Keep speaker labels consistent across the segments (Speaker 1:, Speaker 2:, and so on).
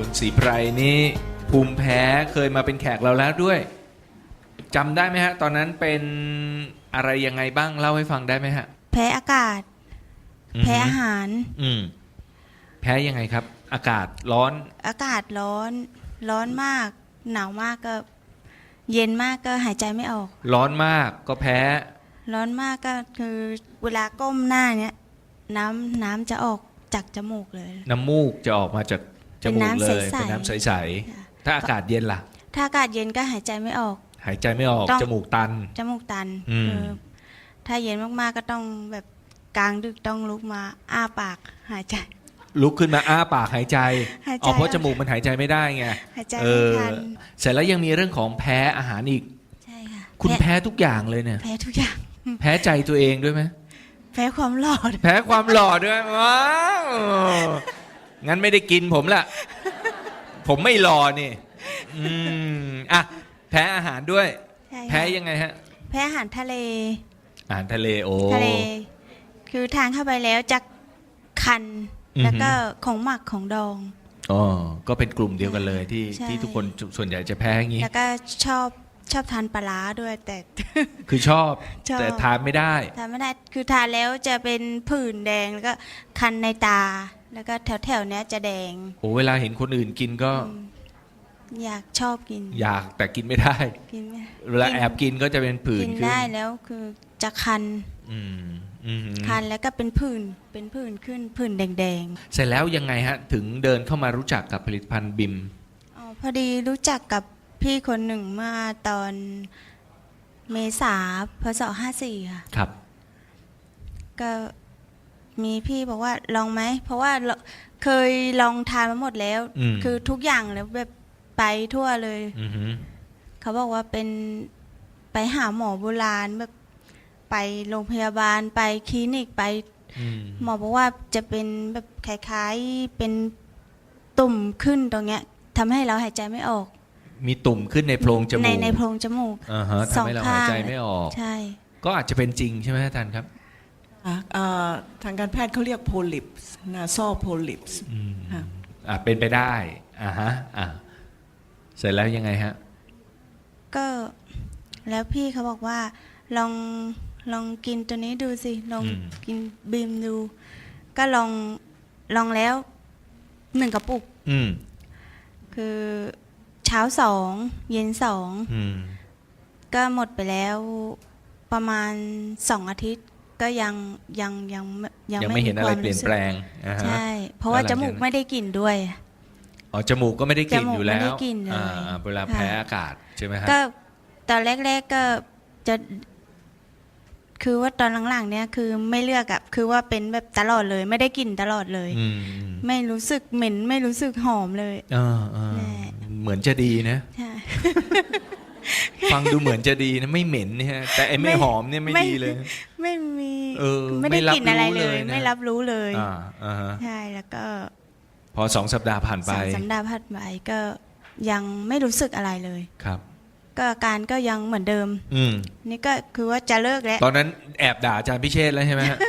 Speaker 1: คุณศรีไพรนี่ภูมิแพ้เคยมาเป็นแขกเราแล้วด้วยจำได้ไหมฮะตอนนั้นเป็นอะไรยังไงบ้างเล่าให้ฟังได้ไหมฮะ
Speaker 2: แพ้อากาศแพ้อาหาร
Speaker 1: แพ้ยังไงครับอากาศร้อน
Speaker 2: อากาศร้อนร้อนมากหนาวมากก็เย็นมากก็หายใจไม่ออก
Speaker 1: ร้อนมากก็แพ้
Speaker 2: ร้อนมากก็คือเวลาก้มหน้าเนี้ยน้ำจะออกจากจมูกเลย
Speaker 1: น้ำมูกจะออกมาจากจมูกเลยเป็นน้ำใสๆถ้าอากาศเย็นล่ะ
Speaker 2: ถ้าอากาศเย็นก็หายใจไม่ออก
Speaker 1: หายใจไม่ออกจมูกตัน
Speaker 2: ถ้าเย็นมากๆก็ต้องแบบกลางดึกต้องลุกมาอ้าปากหายใจ
Speaker 1: ลุกขึ้นมาอ้าปากหายใจเพราะจมูกมันหายใจไม่ได้ไง
Speaker 2: หายใจไม่ทัน
Speaker 1: เสร็จแล้วยังมีเรื่องของแพ้อาหารอีก
Speaker 2: ใช่ค่ะ
Speaker 1: คุณแพ้ทุกอย่างเลยเนี่ย
Speaker 2: แพ้ทุกอย่าง
Speaker 1: แพ้ใจตัวเองด้วยไหม
Speaker 2: แพ้ความหล่อ
Speaker 1: แพ้ความหล่อด้วยว้าวงั้นไม่ได้กินผมละผมไม่หล่อนี่อ่ะแพ้อาหารด้วยแพ้ยังไงฮะ
Speaker 2: แพ้อาหารทะเล
Speaker 1: อาหารทะเลโอ้
Speaker 2: ทะเลคือทานเข้าไปแล้วจะคันแล้วก็ของหมักของดอง
Speaker 1: อ๋อก็เป็นกลุ่มเดียวกันเลยที่ทุกคนส่วนใหญ่จะแพ้อย่างนี้
Speaker 2: แล้วก็ชอบทานปลาร้าด้วยแต่
Speaker 1: คือชอบแต่ทานไม่ได้
Speaker 2: คือทานแล้วจะเป็นผื่นแดงแล้วก็คันในตาแล้วก็แถวเนี้ยจะแดง
Speaker 1: โอ้เวลาเห็นคนอื่นกินก็
Speaker 2: อยากชอบกิน
Speaker 1: อยากแต่กินไม่ได้เวลาแอบกินก็จะเป็นผื่น
Speaker 2: กินได้แล้วคือจะคันคันแล้วก็เป็นผื่นขึ้นผื่นแดง
Speaker 1: ๆเสร็จแล้วยังไงฮะถึงเดินเข้ามารู้จักกับผลิตภัณฑ์บิม
Speaker 2: พอดีรู้จักกับพี่คนหนึ่งเมื่อตอนเมษาพศ54ค่ะ
Speaker 1: ครับ
Speaker 2: ก็มีพี่บอกว่าลองไหมเพราะว่าเคยลองทานมาหมดแล้วคือทุกอย่างแล้วแบบไปทั่วเลยเขาบอกว่าเป็นไปหาหมอโบราณแบบไปโรงพยาบาลไปคลินิกไปหมอบอกว่าจะเป็นแบบคล้ายๆเป็นตุ่มขึ้นตรงเนี้ยทำให้เราหายใจไม่ออก
Speaker 1: มีตุ่มขึ้นในโพรงจมูก
Speaker 2: ในโพรงจมูก
Speaker 1: ทำให้เราหายใจไม่ออก
Speaker 2: ใช่
Speaker 1: ก็อาจจะเป็นจริงใช่ไหมท่านครับ
Speaker 3: ทางการแพทย์เขาเรียกโพลิปส์นาซอลโพลิปส์
Speaker 1: เป็นไปได้เสร็จแล้วยังไงฮะ
Speaker 2: ก็แล้วพี่เขาบอกว่าลองกินตัวนี้ดูสิลองกินบีมดูก็ลองแล้ว1 กระปุกคือเช้า2เย็น2ก็หมดไปแล้วประมาณ2 อาทิตย์ก็ยัง
Speaker 1: ไม่เห็นอะไรเปลี่ยนแปลง
Speaker 2: ใช่เพราะว่าจมูกไม่ได้กลิ่นด้วย
Speaker 1: อ๋อจมูกก็ไม่ได้กลิ่นอยู่แล้วเวลาแพ้อากาศใช่ไหมฮะ
Speaker 2: ก็ตอนแรกๆก็จะคือว่าตอนหลังๆเนี่ยคือไม่เลือกอะคือว่าเป็นแบบตลอดเลยไม่ได้กลิ่นตลอดเลยไม่รู้สึกเหม็นไม่รู้สึกหอมเลย
Speaker 1: เหมือนจะดีนะฟังดูเหมือนจะดีนะไม่เหม็นนี่ฮะแต่ไอ้ไม่หอมเนี่ยไม่ดีเลย
Speaker 2: ไม่มีไม่ได้กลิ่นอะไรเลยไม่รับรู้เลยใช่แล้วก็
Speaker 1: พอ2 สัปดาห์ผ่านไป
Speaker 2: 2 สัปดาห์ผ่านไปก็ยังไม่รู้สึกอะไรเลย
Speaker 1: ครับ
Speaker 2: ก็อาการก็ยังเหมือนเดิมนี่ก็คือว่าจะเลิกแล้ว
Speaker 1: ตอนนั้นแอบด่าอาจารย์พิเชษแล้วใช่ไหมฮะ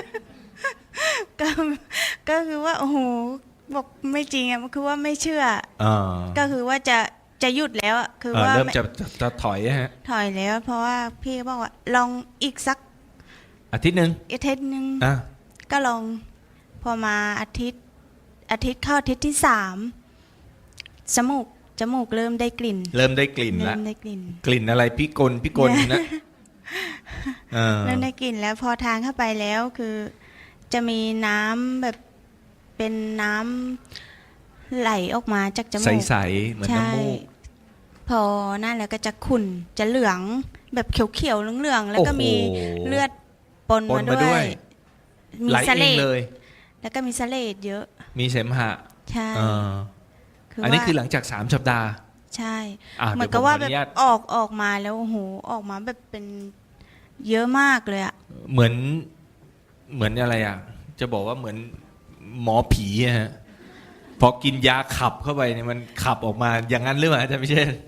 Speaker 2: ก็คือว่าโอ้โหบอกไม่จริงอ่ะคือว่าไม่เชื่อก็คือว่าจะหยุดแล้วคือว่า
Speaker 1: เริ่มจะถอยฮะ
Speaker 2: ถอยแล้วเพราะว่าพี่บอกว่าลองอีกสัก
Speaker 1: อาทิตย์นึง
Speaker 2: ก็ลองพอมาอาทิตย์เข้าอาทิตย์ที่3จมูกเริ่มได้กลิ่น
Speaker 1: แล้วกลิ่นอะไรพิกลนะ
Speaker 2: เริ่มได้กลิ่นแล้วพอทานเข้าไปแล้วคือจะมีน้ำแบบเป็นน้ำไหลออกมาจากจมูก
Speaker 1: ใสๆเหมือนน้ำมูก
Speaker 2: พอนั่นแล้วก็จะขุ่นจะเหลืองแบบเขียวๆเหลืองๆแล้วก็มีเลือดปนมาด้วย
Speaker 1: มีเสลด
Speaker 2: แล้วก็มีเสลดเยอะ
Speaker 1: มีเสมหะ
Speaker 2: ใช่
Speaker 1: อันนี้คือหลังจาก3 สัปดาห์
Speaker 2: ใช่เหมือนกับว่าแบบออกมาแล้วโอ้โหออกมาแบบเป็นเยอะมากเลยอะ
Speaker 1: เหมือนอะไรอะจะบอกว่าเหมือนหมอผีฮะพอกินยาขับเข้าไปเนี่ยมันขับออกมาอย่างนั้นหรือเปล่าอาจารย์พิเชษ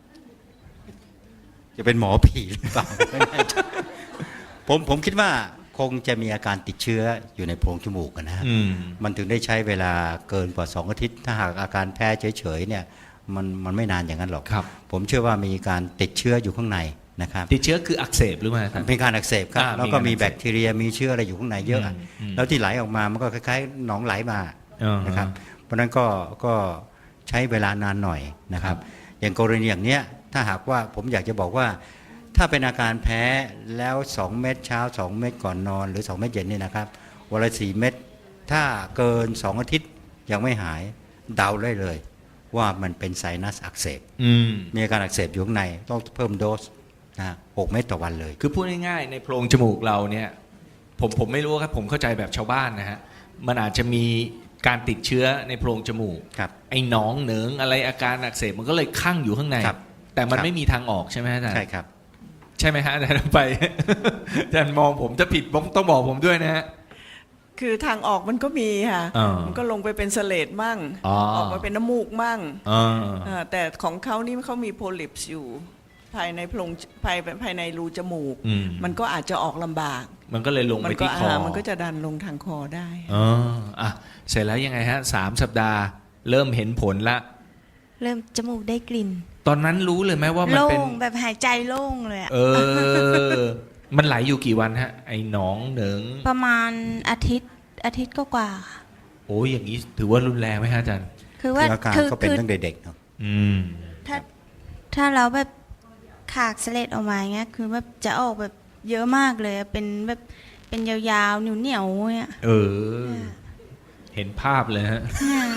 Speaker 4: จะเป็นหมอผีหรือเปล่าผมคิดว่าคคงจะมีอาการติดเชื้ออยู่ในโพรงจมูกนะฮะ
Speaker 1: อืม
Speaker 4: มันถึงได้ใช้เวลาเกินกว่า2 อาทิตย์ถ้าหากอาการแพ้เฉยๆเนี่ยมันไม่นานอย่างนั้นหรอก
Speaker 1: ครับ
Speaker 4: ผมเชื่อว่ามีการติดเชื้ออยู่ข้างในนะครับ
Speaker 1: ติดเชื้อคืออักเสบหรือเปล่าอาจารย์
Speaker 4: มีการอักเสบครับ แล้วก็มี
Speaker 1: มีการอักเสบ
Speaker 4: แบคทีเรียมีเชื้ออะไรอยู่ข้างในเยอะ
Speaker 1: อืม
Speaker 4: แล้วที่ไหลออกมามันก็คล้ายๆหนองไหลมา นะครับ เพราะฉะนั้นก็ใช้เวลานานหน่อยนะครับ อย่างกรณีอย่างเนี้ยถ้าหากว่าผมอยากจะบอกว่า ถ้าเป็นอาการแพ้แล้ว2 เม็ดเช้า2 เม็ดก่อนนอนหรือ2 เม็ดเย็นนี่นะครับวันละ4 เม็ดถ้าเกิน2 อาทิตย์ยังไม่หายเดาได้เลย ว่ามันเป็นไซนัสอักเสบ
Speaker 1: อืม
Speaker 4: มีอาการอักเสบอยู่ข้างในต้องเพิ่มโดสนะ6 เม็ดต่อวันเลย
Speaker 1: คือพูดง่ายๆในโพรงจมูกเราเนี่ยผมไม่รู้ครับผมเข้าใจแบบชาวบ้านนะฮะมันอาจจะมีการติดเชื้อในโพรงจมูก
Speaker 4: ครับ
Speaker 1: ไอ้หนองเหนิงอะไรอาการอักเสบมันก็เลยคั่งอยู่ข้างใน
Speaker 4: ครับ
Speaker 1: แต่มัน
Speaker 4: ครับ
Speaker 1: ไม่มีทางออกใช่ไหมฮะอาจารย์
Speaker 4: ใช่ครับ
Speaker 1: ใช่ไหมฮะอาจารย์ไป อาจารย์มองผมจะผิดต้องบอกผมด้วยนะฮะ
Speaker 3: คือทางออกมันก็มีค่ะ
Speaker 1: อ่ามั
Speaker 3: มันก็ลงไปเป็นเสลดมั่ง
Speaker 1: อ๋อ
Speaker 3: ออกมาเป็นน้ำมูกมั่ง
Speaker 1: อ่า
Speaker 3: แต่ของเขานี่เขามีโพลิปส์อยู่ ภายในโพรงภายในรูจมูก
Speaker 1: อืม
Speaker 3: มันก็อาจจะออกลำบาก
Speaker 1: มันก็เลยลง
Speaker 3: มั
Speaker 1: ไป
Speaker 3: ก็
Speaker 1: ที่คอ
Speaker 3: มันก็จะดันลงทางคอได้
Speaker 1: อ๋ออ่ะเสร็จแล้วยังไงฮะ3 สัปดาห์ เริ่มเห็นผลละ
Speaker 2: เริ่มจมูกได้กลิ่น
Speaker 1: ตอนนั้นรู้เลยไหมว่ามัน
Speaker 2: โล่
Speaker 1: เป็น
Speaker 2: งแบบหายใจโล่งเลยอะ
Speaker 1: เออ มันไหลอยู่กี่วันฮะ ไอ้หนองเหนิง
Speaker 2: ประมาณอาทิตย์ก็กว่าๆค่ะ
Speaker 1: โอ้ยอย่างนี้ถือว่ารุนแรงไหมฮะอาจารย์
Speaker 2: คือว่า
Speaker 4: คืออาการก็เป็นตั้งแต่เด็กเนาะ
Speaker 1: อืม
Speaker 2: ถ้าเราแบบขากเสลดออกมาอย่างเงี้ยคือแบบจะออกแบบเยอะมากเลยอะเป็นแบบเป็นยาวๆเหนียวๆเนี่ย
Speaker 1: เออ เห็นภาพเลยฮะ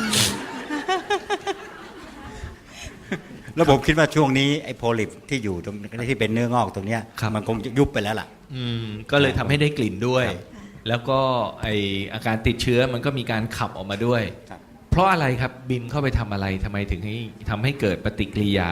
Speaker 4: แล้วผมคิดว่าช่วงนี้ไอ้โพลิปที่อยู่ตรงที่เป็นเนื้องอกตรงเนี้ย
Speaker 1: ครับ
Speaker 4: มันคงจะยุบไปแล้วล่ะ
Speaker 1: อืม ก็เลยทำให้ได้กลิ่นด้วย
Speaker 4: ครับ
Speaker 1: แล้วก็ไออาการติดเชื้อมันก็มีการขับออกมาด้วย
Speaker 4: ครับ
Speaker 1: เพราะอะไรครับบิมเข้าไปทำอะไรทำไมถึงให้ทำให้เกิดปฏิกิริยา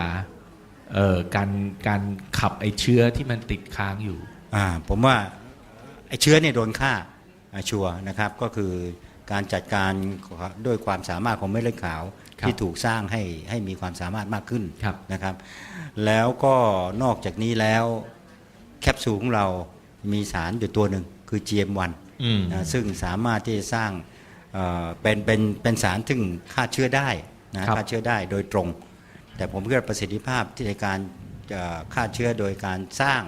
Speaker 1: การขับไอเชื้อที่มันติดค้างอยู่
Speaker 4: ผมว่าไอ้เชื้อเนี่ยโดนฆ่าชัวร์นะครับก็คือการจัดการด้วยความสามารถของเม็ดเลือดขาว
Speaker 1: ครับ
Speaker 4: ที่ถูกสร้างให้มีความสามารถมากขึ้น
Speaker 1: ครับ
Speaker 4: นะครับ แล้วก็นอกจากนี้แล้วแคปซูลของเรามีสารอยู่ตัวหนึ่งคือ GM1
Speaker 1: อืม
Speaker 4: ซึ่งสามารถที่จะสร้างเป็นสารซึ่งฆ่าเชื้อได้นะครับ ฆ่าเชื้อได้โดยตรง แต่ผมคิดว่าประสิทธิภาพที่ในการฆ่าเชื้อโดยการสร้าง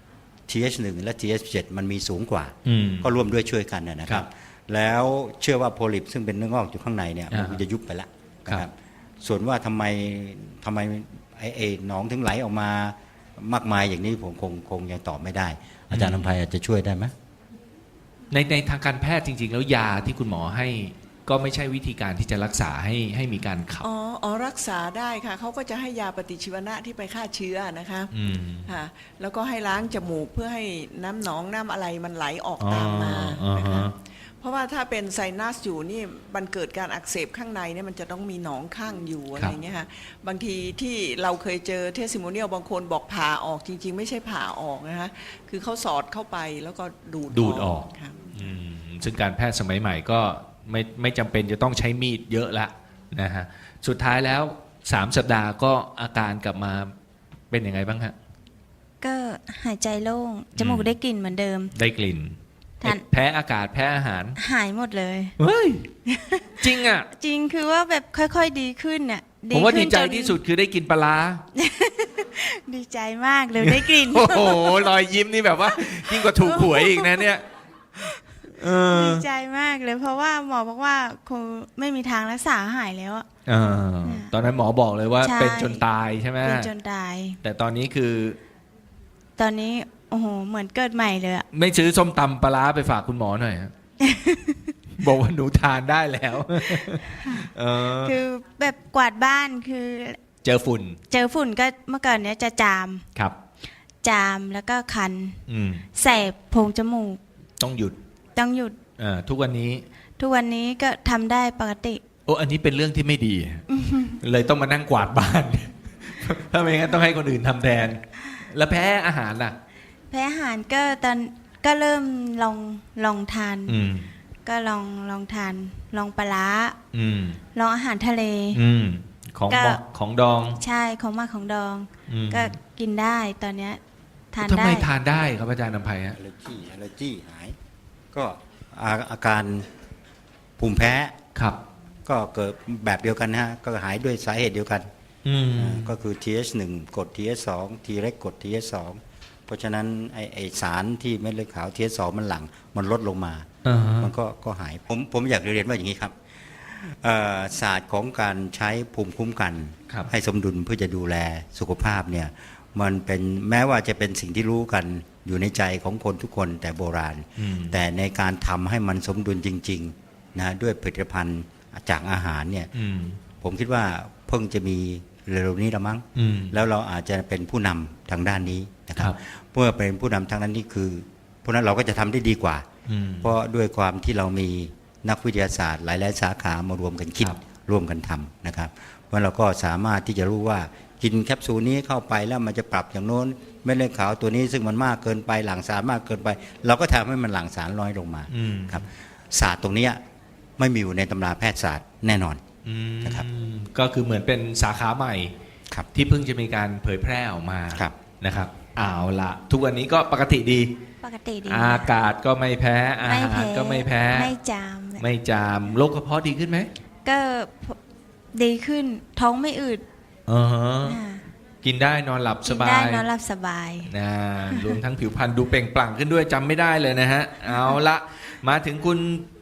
Speaker 4: TH1 และ TH7 มันมีสูงกว่า
Speaker 1: อืม
Speaker 4: ก็ร่วมด้วยช่วยกันนะค
Speaker 1: ครั
Speaker 4: รับ
Speaker 1: บ
Speaker 4: แล้วเชื่อว่าโพลิปซึ่งเป็นเนื้องอกอยู่ข้างในเนี่ยมันจะยุบไปแล้วนะค
Speaker 1: ครั
Speaker 4: รับ
Speaker 1: บ
Speaker 4: ส่วนว่าทำไมไอ้หนองถึงไหลออกมามากมายอย่างนี้ผมคงยังตอบไม่ได้ อาจารย์นภัยอาจจะช่วยได้ไหม
Speaker 1: ในทางการแพทย์จริง ๆ แล้วยาที่คุณหมอให้ก็ไม่ใช่วิธีการที่จะรักษาให้มีการขับ
Speaker 3: อ๋อรักษาได้ค่ะเขาก็จะให้ยาปฏิชีวนะที่ไปฆ่าเชื้อนะคะ
Speaker 1: อืม
Speaker 3: ค่ะแล้วก็ให้ล้างจมูกเพื่อให้น้ำหนองน้ำอะไรมันไหลออกตามมา
Speaker 1: อ๋อ
Speaker 3: นะคะ
Speaker 1: ฮะ
Speaker 3: เพราะว่าถ้าเป็นไซนัสอยู่นี่มันเกิดการอักเสบข้างในเนี่ยมันจะต้องมีหนองข้างอยู่อะไรเงี้ยค่ะบางทีที่เราเคยเจอเทสซิโมเนียลบางคนบอกผ่าออกจริงๆ ไม่ใช่ผ่าออกนะคะคือเขาสอดเข้าไปแล้วก็ดูดออกค่ะ
Speaker 1: อืมซึ่งการแพทย์สมัยใหม่ก็ไม่จำเป็นจะต้องใช้มีดเยอะละนะฮะสุดท้ายแล้ว3 สัปดาห์ก็อาการกลับมาเป็นยังไงบ้างฮะ
Speaker 2: ก็หายใจโล่งจมูกได้กลิ่นเหมือนเดิม
Speaker 1: ได้กลิ่น
Speaker 2: ทาน
Speaker 1: แพ้อากาศแพ้อาหาร
Speaker 2: หายหมดเลย
Speaker 1: เฮ้ย จริงอ่ะ
Speaker 2: จริงคือว่าแบบค่อยๆดีขึ้นน่ะ
Speaker 1: ผมว่า
Speaker 2: ขึ้
Speaker 1: ดี
Speaker 2: น
Speaker 1: ใจ
Speaker 2: น
Speaker 1: ที่สุดคือได้กินปลาร้า
Speaker 2: ดีใจมากเลยได้กลิ่น
Speaker 1: โอ้โหรอยยิ้มนี่แบบว่า ยิ่งกว่าถูกหวยอีกนะเนี่ยเออ
Speaker 2: ดีใจมากเลยเพราะว่าหมอบอกว่าคงไม่มีทางรักษาหายแล้วอะ
Speaker 1: เออตอนนั้นหมอบอกเลยว่า
Speaker 2: ใช่
Speaker 1: เป็นจนตายใช่ไหม
Speaker 2: เป็นจนตาย
Speaker 1: แต่ตอนนี้คือ
Speaker 2: ตอนนี้โอ้โหเหมือนเกิดใหม่เลยอะ
Speaker 1: ไม่ซื้อส้มตำปลาร้าไปฝากคุณหมอหน่อยฮะ บอกว่าหนูทานได้แล้วเออ
Speaker 2: คือแบบกวาดบ้านคือ
Speaker 1: เจอฝุ่น
Speaker 2: เจอฝุ่นก็เมื่อก่อนเนี้ยจะจาม
Speaker 1: ครับ
Speaker 2: แล้วก็คัน
Speaker 1: อืม
Speaker 2: แสบโพรงจมูก
Speaker 1: ต้องหยุด
Speaker 2: ต้องหยุด
Speaker 1: ทุกวันนี้
Speaker 2: ทุกวันนี้ก็ทำได้ปกติ
Speaker 1: โอ้อันนี้เป็นเรื่องที่ไม่ดี เลยต้องมานั่งกวาดบ้าน ถ้าไม่งั้นต้องให้คนอื่นทำแทน แล้วแพ้อาหารล่ะ
Speaker 2: แพ้อาหารก็ตอนก็เริ่มลองทาน
Speaker 1: อืม
Speaker 2: ก็ลองทานลองปลาร้า
Speaker 1: อืม
Speaker 2: ลองอาหารทะเล
Speaker 1: อืม ของ
Speaker 2: ก็
Speaker 1: ของดอง
Speaker 2: ใช่ของมากของดอง
Speaker 1: อืม
Speaker 2: ก็กินได้ตอนเนี้ยทาน
Speaker 1: ทำ
Speaker 2: ได้
Speaker 1: ไมทานได้ครับอาจารย์นภัยฮะ
Speaker 4: allergy หายก็อาการภูมิแพ้
Speaker 1: ครับ
Speaker 4: ก็เกิดแบบเดียวกันนะฮะก็หายด้วยสาเหตุเดียวกัน ก็คือ TH1 กด TH2 T เล็กกด TH2 เพราะฉะนั้นไอสารที่เม็ดเลือดขาว TH2 มันหลั่งมันลดลงมา มันก็หายผมอยากเรียนว่าอย่างนี้ครับศาสตร์ของการใช้ภูมิคุ้มกัน
Speaker 1: ครับ
Speaker 4: ให้สมดุลเพื่อจะดูแลสุขภาพเนี่ยมันเป็นแม้ว่าจะเป็นสิ่งที่รู้กันอยู่ในใจของคนทุกคนแต่โบราณ แต่ในการทำให้มันสมดุลจริงๆนะด้วยผลิตภัณฑ์จากอาหารเนี่ยผมคิดว่าเพิ่งจะมีเร็วๆนี้ละมั้งแล้วเราอาจจะเป็นผู้นำทางด้านนี้นะครับเมื่อเป็นผู้นำทางด้านนี้คือเพราะนั้นเราก็จะทำได้ดีกว่าเพราะด้วยความที่เรามีนักวิทยาศาสตร์หลายๆสาขามารวมกันคิดร่วมกันทำนะครับเพราะเราก็สามารถที่จะรู้ว่ากินแคปซูลนี้เข้าไปแล้วมันจะปรับอย่างโน้นเม็ดเลือดขาวตัวนี้ซึ่งมันมากเกินไปหลั่งสารมากเกินไปเราก็ทำให้มันหลั่งสารน้อยลงมาครับศาสตร์ตรงนี้ไม่มีอยู่ในตำราแพทยศาสตร์แน่นอนนะครับ
Speaker 1: ก็คือเหมือนเป็นสาขาใหม่ที่เพิ่งจะมีการเผยแพร่ออกมานะครับเอาละทุกวันนี้ก็ปกติดี
Speaker 2: ปกติดี
Speaker 1: อากาศก็ไม่แพ้อาหารก็ไม่แพ้
Speaker 2: ไม่จาม
Speaker 1: ไม่จามโรคกระเพาะดีขึ้นไหม
Speaker 2: ก็ดีขึ้นท้องไม่อืด
Speaker 1: กินได้นอนหลับส
Speaker 2: กิน
Speaker 1: บา
Speaker 2: ได้
Speaker 1: ย
Speaker 2: นอนหลับสบาย
Speaker 1: รวมทั้งผิวพรรณดูเปล่งปลั่งขึ้นด้วยจำไม่ได้เลยนะฮะ เอาละมาถึงคุณ